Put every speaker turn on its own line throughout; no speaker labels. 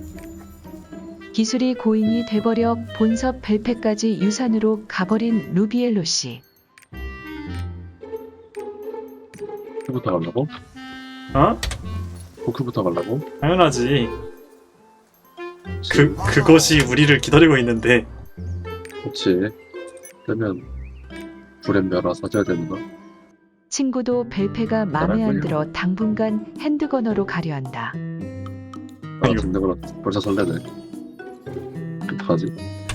기술이 고인이 돼버려 본섭 벨페까지 유산으로 가버린 루비엘로 씨.
포크부터 가려고?
어?
포크부터 가려고?
당연하지. 그것이 우리를 기다리고 있는데.
그렇지. 그러면 불엠멸화 사줘야 되는 거.
친구도 벨페가 맘에 안 들어 당분간 핸드거너로 가려 한다.
아, 지금 내가 벌써 설레네. 어떡하지?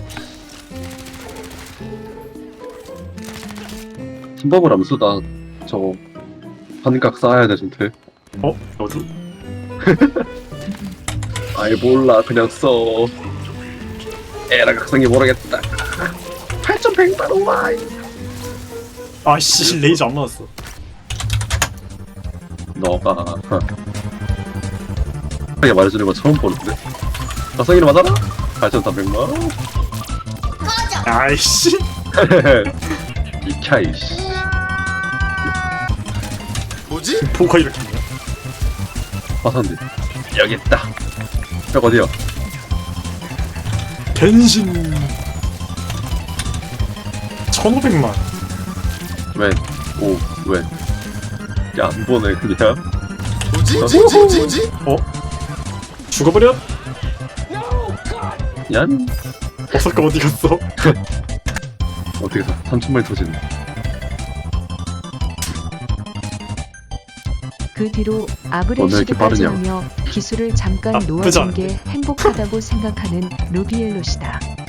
팀법을 암수다. 저거 한각 쌓아야 되는데.
너도?
아이 몰라 그냥 써. 에라 각성이 모르겠다. 8,100만 원.
아씨 레이저 안 맞았어.
너가 하게 말해주는 거 처음 보는데. 각성이는 맞아라? 8,300만 원.
아이씨.
이캬이씨.
뭐지?
포커 이렇게 있냐?
화산대 여기 있다. 벽 어디야?
변신. 1,500만.
왜? 오 왜? 야 안 보네 그냥.
뭐지?
죽어버려?
얀
버섯가 어디 갔어?
어떻게 3천만이 터지네.
그 뒤로
이렇게
아브렐시드까지
빠르냐?
하며 기술을 잠깐
나쁘지
놓아준
않은데?
게 행복하다고 생각하는 루비엘로 씨다.